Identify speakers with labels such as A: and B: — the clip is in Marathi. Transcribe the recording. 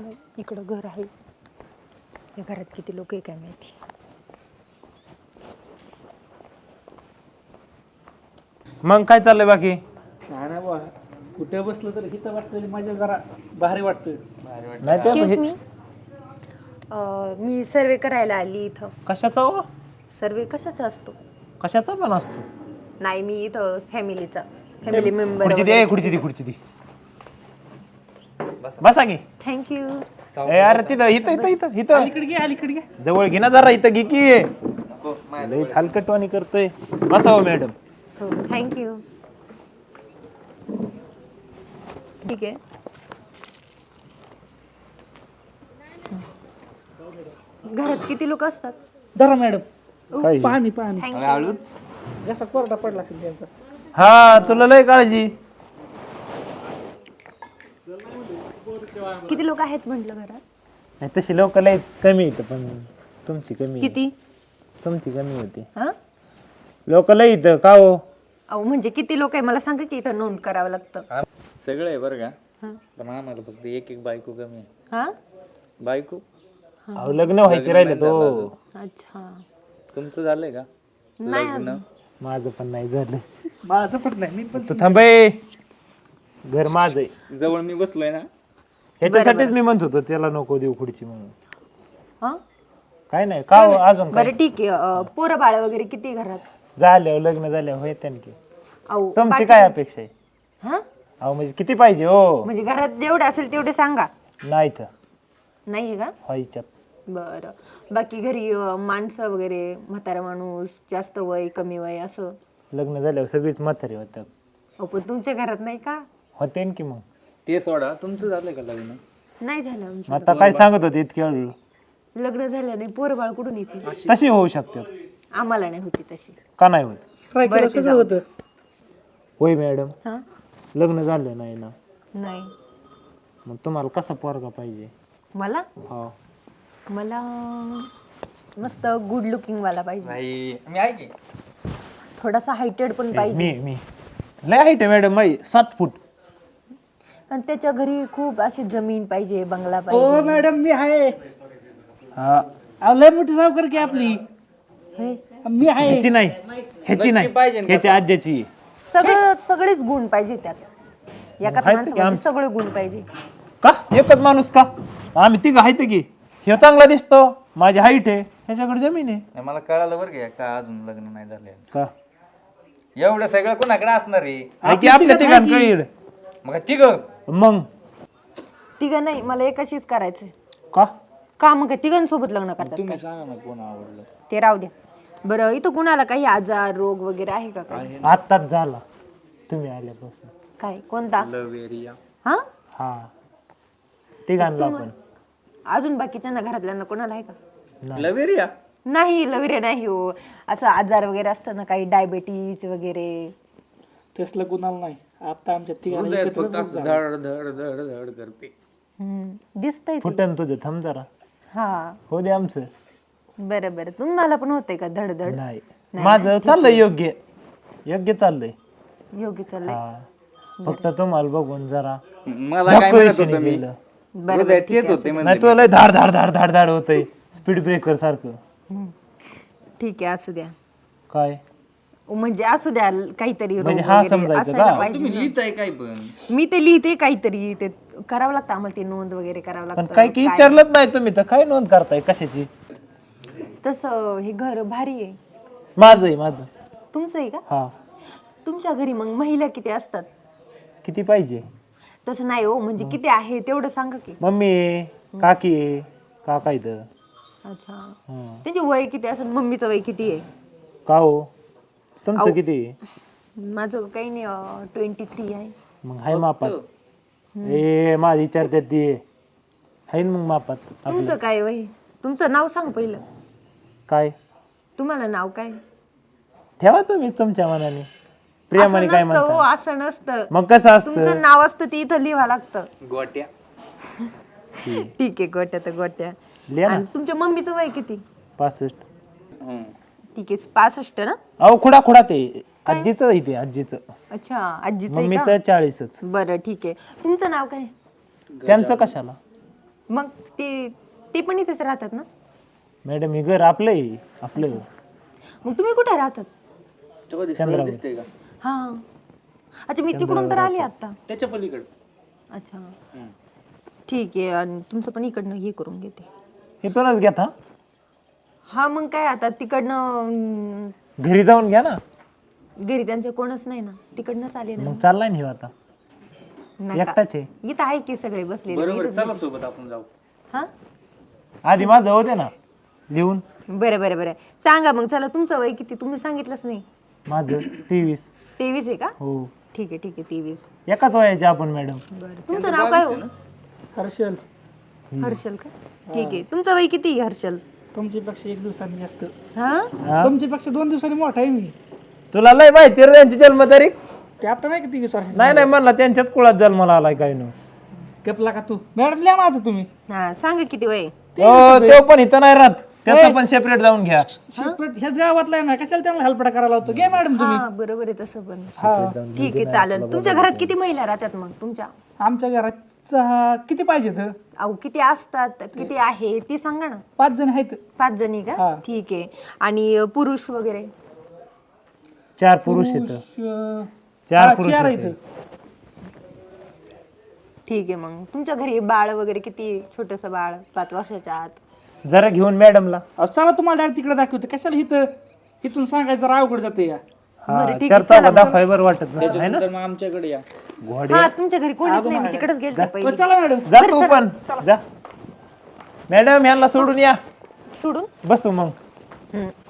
A: आपलं इकडं घर आहे. या घरात किती लोक आहे काय माहिती.
B: मग काय चाललंय बाकी?
C: काय नाही बा, कुठे बसलं तर इथं बसलेली मजा जरा भारी वाटतं.
B: नाही तर
A: एक्सक्यूज मी, मी सर्वे करायला आली इथं.
B: कशाचा हो?
A: सर्वे कशाचा असतो?
B: कशाचा पण असतो.
A: नाही, मी इथं फॅमिली मेंबर.
B: खुर्ची दे, खुर्ची दे. बसा की.
A: थँक्यू.
B: अरे तिथं इथं
C: अलीकडे घे.
B: जवळ घे ना जरा, इथं घे की. लई हलकटवाणी करतोय. बसा हो मॅडम.
A: हो, थँक्यू. ठीक आहे. घरात किती लोक असतात?
C: धरा मॅडम,
B: काय?
C: पाणी
A: थँक्यू.
C: जसा कोरडा पडला असेल त्यांचा.
B: हा, तुला लय काळजी.
A: किती लोक आहेत म्हटलं घरात?
B: नाही तशी लोक लय कमी येतं, पण तुमची कमी.
A: किती?
B: तुमची कमी होती.
A: हा,
B: लोक लय इथं का हो?
A: अहो म्हणजे किती लोक आहे मला सांगा की इथं नोंद करावं लागतं.
D: सगळं आहे बरं का,
A: हा.
D: पण आम्हाला फक्त एक बायको कमी आहे.
A: हा,
D: बायको
B: अहो, लग्न व्हायचे राहिले तो.
A: अच्छा.
D: तुमचं झालंय का
A: नाही
D: लग्न?
A: अजून.
B: माझं पण नाही झालं.
C: माझं पण नाही, मी पण
B: तू थांबे. घर माझं आहे.
D: जवळ मी बसलोय ना.
B: ह्याच्यासाठीच मी म्हणत होतो त्याला नको देऊ खुर्ची म्हणून.
A: हा,
B: काय नाही का हो, अजून काय?
A: बरं ठीक आहे. पोरं बाळ वगैरे किती घरात?
B: झाल्यावर लग्न झाल्यावर होय त्यांची.
A: अहो
B: तुमची
A: बाकी-
B: काय अपेक्षा आहे?
A: हा,
B: अहो म्हणजे किती पाहिजे हो?
A: म्हणजे घरात जेवढे असेल तेवढे सांगा.
B: नाही तर
A: नाहीये का?
B: व्हायच्यात.
A: बरं. बाकी घरी माणसं वगैरे, म्हातारा माणूस, जास्त वय कमी वय असं?
B: लग्न झाल्यावर सगळीच म्हातारी होतात.
A: अहो पण तुमच्या घरात नाही का?
B: होते की मग.
D: ते सोडा, तुमचं झालंय का लग्न?
A: नाही झालं आमचं.
B: आता काय सांगत होते इतके वेळ?
A: लग्न झालं नाही, पोरं बाळ कुठून येते?
B: तशी होऊ शकते.
A: आम्हाला नाही होती तशी.
B: का नाही होत?
C: ट्राय
A: बरं,
C: केलं
A: ते
C: सगळं
A: जाऊ.
C: होतं.
B: होय मॅडम,
A: हा,
B: लग्न झालं नाही ना,
A: नाही.
B: मग तुम्हाला कसा पोरगा पाहिजे?
A: मला
B: हो.
A: मला मस्त गुड लुकिंग वाला पाहिजे.
D: नाही, मी आहे की.
A: थोडासा हायटेड पण पाहिजे.
B: मी लय हाईट आहे मॅडम, माई 7 फूट.
A: आणि त्याच्या घरी खूप अशी जमीन पाहिजे, बंगला
C: हो
A: पाहिजे.
C: मॅडम, मी आहे.
B: हा,
C: अहो, लय मोठी सावकार की आपली.
A: हे,
C: मी आहे.
B: ह्याची नाही, ह्याच्या आज्याची.
A: सगळेच गुण पाहिजे त्यात. एकाच
B: आहेत की
A: माणसामध्ये
B: आम-
A: सगळे गुण पाहिजे.
B: का एकच माणूस का? आम्ही तिघ आहेत की. हे चांगला दिसतो, माझी हाईट आहे, ह्याच्याकडे जमीन आहे.
D: नाही, मला कळालं बरं का, का अजून लग्न नाही झालं यांचं.
B: का
D: एवढं सगळं कोणाकडे असणार आहे?
B: आहे की आपल्या तिघांकडे.
D: मग तिघ
B: मग
A: तिघं नाही, मला एकाशीच करायचंय.
B: का?
A: का मग काय तिघांसोबत लग्न करतात
D: तुम्ही
A: काय?
D: सांगा ना कोण आवडलं.
A: ते राहू द्या. बरं, इथं कुणाला काही आजार रोग वगैरे आहे का काय?
B: आत्ताच झाला तुम्ही आल्यापासून.
A: काय, कोणता?
D: Love area.
A: हा,
B: हा, तिघांना पण.
A: अजून बाकीच्यांना घरातल्यांना कोणाला आहे का?
D: लव एरिया
A: नाही, लवरे नाही हो. असं आजार वगैरे असतं ना, काही डायबेटीज वगैरे.
C: तसलं कुणाला नाही. आता आमच्या तिघांना
D: हृदयात
C: एकत्रच
D: फक्त असं
C: झालं.
D: धड धड धड धड करते.
A: दिसतंय ते.
B: फुटन तुझं, थांब जरा.
A: हा,
B: हो दे आमचं.
A: बरं बरं. तुम्हाला पण होतंय का धडधड?
B: नाही, माझं चाललंय योग्य चाललंय.
A: योग्य चाललंय.
B: हा, फक्त तुम्हाला बघून जरा
D: मला काय म्हणत होतं मी?
B: गेलं.
A: बरं
D: हृदयात तेच होते
B: नाही
D: म्हणजे.
B: तुला लय धाड धाड धाड धाड धाड होतंय, स्पीड ब्रेकर सारखं.
A: ठीक आहे, असू द्या.
B: काय
A: म्हणजे असू द्या काहीतरी रोग
B: म्हणजे हा
A: वगैरे
B: समजायचं
A: असायला
B: का?
A: पाहिजे
D: तुम्ही
A: ना.
D: लिहिताय काय पण?
A: मी ते लिहिते काहीतरी, ते करावं लागतं आम्हाला, ते नोंद वगैरे करावं
B: पण
A: लागतं.
B: काय की विचारलंच नाही तुम्ही, तर काय नोंद करताय कशाची?
A: तसं हे घर भारी आहे.
B: माझं.
A: तुमचं आहे का?
B: हा,
A: तुमच्या घरी मग महिला किती असतात?
B: किती पाहिजे?
A: तसं नाही हो, म्हणजे किती आहे तेवढं सांगा की.
B: मम्मी आहे, काकी आहे, काका इथं.
A: अच्छा,
B: हा.
A: त्यांचे वय किती असेल? मम्मीचं वय किती आहे?
B: का हो, तुमचं
A: अहो.
B: किती आहे?
A: माझं काही नाही, 23 आहे.
B: मग हाय मापात. ए माझी विचारतात ती हाय ना मग मापात आपलं.
A: तुमचं काय वय? तुमचं नाव सांग पहिलं.
B: काय
A: तुम्हाला नाव काय?
B: ठेवा तुम्ही तुमच्या मनाने, प्रियामाने काय
A: असं नसतं हो,
B: म्हणतात.
A: असं नसतं.
B: मग कसं असतं?
A: तुमचं नाव असतं ते इथं लिहावं लागतं.
D: गोट्या.
A: ठीक आहे, गोट्या तर गोट्या.
B: लिहा ना.
A: आणि तुमच्या मम्मीचं वय किती?
B: 65.
A: ठीक आहे, 65 ना?
B: अहो खुडा ते आजीचं इथे आजीचं.
A: अच्छा, आजीचं आहे
B: मम्मीचं
A: का?
B: 40च.
A: बरं ठीक आहे. तुमचं नाव काय?
B: त्यांचं कशाला?
A: मग ते पण इथेच राहतात ना?
B: मॅडम हे घर आपलं आहे आपलं.
A: मग तुम्ही कुठे राहतात?
D: तेव्हा दिसतंय दिसतंय का
A: हा, अच्छा मी तिकडून तर आली आता.
D: त्याच्या पलीकडे
A: अच्छा ठीक आहे. आणि तुमचं पण इकडनं हे करून घेते.
B: इथूनच घेत हा.
A: हा मग काय आता तिकडनं
B: घरी जाऊन घ्या ना.
A: घरी त्यांच्या कोणच नाही ना, तिकडनंच आले ना.
B: मग चाललाय ना ह्यो आता.
A: नका.
B: एकटाच आहे.
A: इथं आहे की सगळे बसलेले.
D: बरोबर चला सोबत आपण जाऊ
A: हा
B: आधी माझं होते ना लिहून.
A: बरं बरं बरं सांगा मग. चला तुमचं वय किती तुम्ही सांगितलंच नाही.
B: माझं 23.
A: 23 आहे का?
B: हो
A: ठीक आहे 23.
B: एकाच वयाचे आपण मॅडम.
A: बरं तुमचं नाव काय हो?
C: हर्षल,
A: हर्षल का? ठीक आहे. तुमचं वय किती हर्षल?
C: तुमच्यापेक्षा 1 दिवसांनी जास्त,
A: हा
C: तुमच्यापेक्षा 2 दिवसांनी मोठा आहे मी.
B: तुला लय माहिती रे त्यांची जन्मतारीख.
C: ते आता नाही किती 20 वर्षाचे.
B: नाही म्हणला त्यांच्याच कुळात जन्माला आलाय काय न.
C: गपला का तू? मॅडम लिहा माझं तुम्ही.
A: हा सांगा किती वय?
B: तो पण इथं नाही राहत. त्याचं पण सेपरेट जाऊन घ्या.
C: सेपरेट ह्याच गावातला आहे ना, कशाला त्यांना हेल्पडा करायला होतो? घे मॅडम तुम्ही.
A: हा बरोबर आहे तसं पण.
C: हा,
A: ठीक आहे चालेल. तुमच्या घरात किती महिला राहतात मग तुमच्या?
C: आमच्या घरात किती पाहिजेत?
A: अहो किती असतात किती आहे ती सांगा ना.
C: 5 जण आहेत.
A: 5 जणी का?
C: हा.
A: ठीक आहे. आणि पुरुष वगैरे?
B: 4 पुरुष येतं.
C: अं,
B: 4
C: हा,
B: पुरुष
C: 4
B: येतं.
C: आहेत.
A: ठीक आहे. मग तुमच्या घरी बाळ वगैरे किती? छोटस बाळ 5 वर्षाच्या आत?
B: जरा घेऊन मॅडमला.
C: अहो, चला तुम्हाला डायरेक्ट तिकडे दाखवते. कशाला इथून सांगायचं राव अवघड जाते या.
A: बरं ठीक आहे.
B: चर्चा दाखवाय बरं वाटत नाही है ना.
D: त्याच्यानंतर मग आमच्याकडे या
A: हा तुमच्या घरी कोणीच नाही. मी तिकडेच गेलते पहिले.
C: चला मॅडम.
B: जा तू पण जा. मॅडम यांना सोडून या.
A: सोडून
B: बसू मग.
A: हम्म.